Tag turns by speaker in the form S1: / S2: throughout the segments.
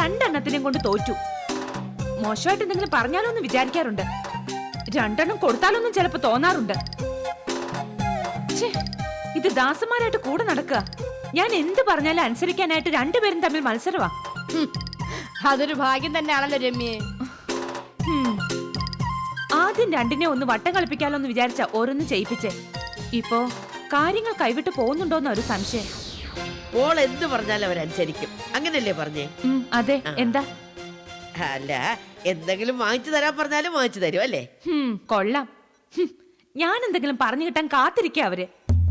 S1: രണ്ടെണ്ണത്തിനെയും കൊണ്ട് തോറ്റു. മോശമായിട്ട് എന്തെങ്കിലും പറഞ്ഞാലോ എന്ന് വിചാരിക്കാറുണ്ട്. രണ്ടെണ്ണം കൊടുത്താലൊന്നും ചിലപ്പോ തോന്നാറുണ്ട്. ഇത് ദാസന്മാരായിട്ട് കൂടെ നടക്കുക. ഞാൻ എന്ത് പറഞ്ഞാലും അനുസരിക്കാനായിട്ട് രണ്ടുപേരും തമ്മിൽ മത്സരവാ.
S2: അതൊരു ഭാഗ്യം തന്നെയാണല്ലോ രമ്യേ.
S1: ആദ്യം രണ്ടിനെ ഒന്ന് വട്ടം കളിപ്പിക്കാലോ എന്ന് വിചാരിച്ച ഓരോന്ന് ചെയ്യിപ്പിച്ചേ. ഇപ്പോ കാര്യങ്ങൾ കൈവിട്ട് പോകുന്നുണ്ടോന്ന ഒരു സംശയം.
S3: ഓൾ എന്ത് പറഞ്ഞാലും അവരനുസരിക്കും, അങ്ങനല്ലേ പറഞ്ഞേ?
S1: അതെ. എന്താ?
S3: അല്ല, എന്തെങ്കിലും വാങ്ങിച്ചു തരാൻ പറഞ്ഞാലും വാങ്ങിച്ചു തരും അല്ലേ?
S1: കൊള്ളാം. ഞാൻ എന്തെങ്കിലും പറഞ്ഞു കിട്ടാൻ കാത്തിരിക്ക അവര്.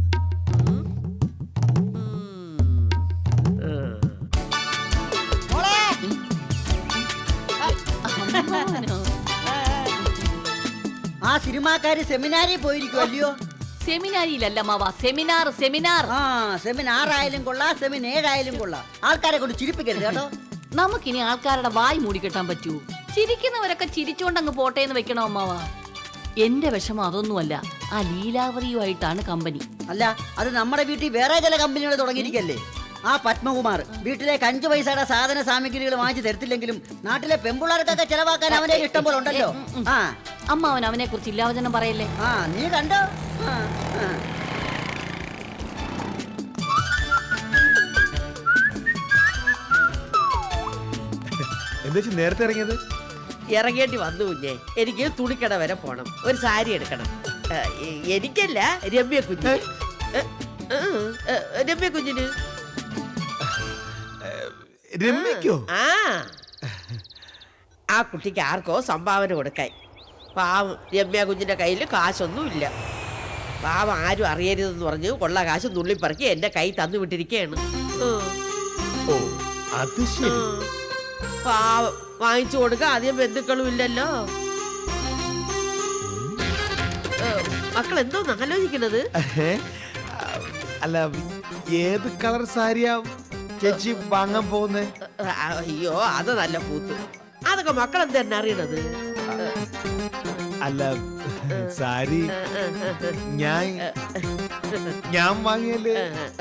S4: ആ സിനിമാക്കാര് സെമിനാരിൽ പോയിരിക്കുമല്ലയോ?
S2: സെമിനാരിയിലല്ല മാവാ, സെമിനാർ. സെമിനാർ
S4: സെമിനാറായാലും കൊള്ളാം, സെമിനേഴായാലും കൊള്ളാം. ആൾക്കാരെ കൊണ്ട് ചിരിപ്പിക്കരുത് കേട്ടോ.
S2: നമുക്കിനി ആൾക്കാരുടെ വായി മൂടിക്കെട്ടാൻ പറ്റൂ? ചിരിക്കുന്നവരൊക്കെ ചിരിച്ചോണ്ടങ്ങ് പോട്ടെ എന്ന് വെക്കണോ അമ്മാവാ? എന്റെ വിഷമം അതൊന്നുമല്ല, ആ ലീലാവതിയുമായിട്ടാണ് കമ്പനി.
S4: അല്ല, അത് നമ്മുടെ വീട്ടിൽ വേറെ ചില കമ്പനികൾ തുടങ്ങിയിരിക്കല്ലേ. ആ പത്മകുമാർ വീട്ടിലേക്ക് 5 പൈസയുടെ സാധന സാമഗ്രികൾ വാങ്ങിച്ചു തരത്തില്ലെങ്കിലും നാട്ടിലെ പെൺപിള്ളേർക്കൊക്കെ ചെലവാക്കാൻ അവന്റെ ഇഷ്ടം പോലെ ഉണ്ടല്ലോ. ആ
S2: അമ്മാവൻ അവനെ കുറിച്ച് ഇല്ലാവചനം പറയല്ലേ.
S4: ആ നീ കണ്ടോ?
S5: എന്താ നേരത്തെ ഇറങ്ങിയത്?
S3: ഇറങ്ങേണ്ടി വന്നു കുഞ്ഞെ. എനിക്ക് തുണിക്കട വരെ പോണം, ഒരു സാരി എടുക്കണം. എനിക്കല്ല, രമ്യ കുഞ്ഞിന്. രമ്യ കുഞ്ഞിന്.
S5: രമ്യക്കോ?
S3: ആ കുട്ടിക്ക് ആർക്കോ സംഭാവന കൊടുക്കാൻ. പാവം രമ്യ കുഞ്ഞിന്റെ കയ്യിൽ കാശൊന്നും ഇല്ല. പാവം ആരും അറിയരുതെന്ന് പറഞ്ഞ് കൊള്ള കാശ് നുള്ളിപ്പറക്കി എന്റെ കൈ തന്നു വിട്ടിരിക്കുകയാണ്.
S5: ഓ, അത് ശരി.
S3: പാവം വാങ്ങിച്ചു കൊടുക്കാൻ അധികം ബന്ധുക്കളും ഇല്ലല്ലോ. മക്കൾ എന്തോന്ന് ആലോചിക്കണത്?
S5: അല്ല, ഏത് കളർ സാരിയാ ചേച്ചി വാങ്ങാൻ പോകുന്നേ?
S3: അയ്യോ, അത് നല്ല പൂത്ത്. അതൊക്കെ മക്കൾ എന്തെന്നെ അറിയണത്?
S5: അല്ല, സാരി ഞാൻ വാങ്ങിയല്ലേ,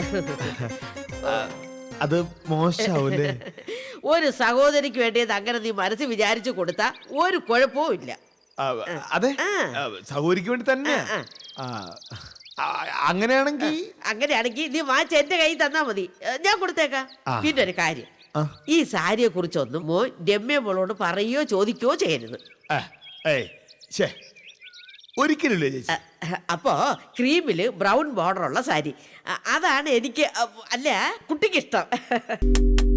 S5: അത് മോശാവൂലേ?
S3: ഒരു സഹോദരിക്ക് വേണ്ടിയത് അങ്ങനെ നീ മനസ്സ് വിചാരിച്ചു കൊടുത്താ ഒരു കുഴപ്പവും ഇല്ല.
S5: അതെ, സഹോദരിക്ക് വേണ്ടി തന്നെ. അങ്ങനെയാണെങ്കിൽ
S3: നീ വാങ്ങിച്ച എന്റെ കൈ തന്നാ മതി, ഞാൻ കൊടുത്തേക്കാം. പിന്നെ ഒരു കാര്യം, ഈ സാരിയെ കുറിച്ചൊന്നും മോൻ രമ്യ മോളോട് പറയോ ചോദിക്കോ ചെയ്യരുത്.
S5: ഒരിക്കലല്ലേ ചേച്ചി?
S3: അപ്പോ ക്രീമില് ബ്രൗൺ ബോർഡർ ഉള്ള സാരി, അതാണ് എനിക്ക്, അല്ല കുട്ടിക്ക് ഇഷ്ടം.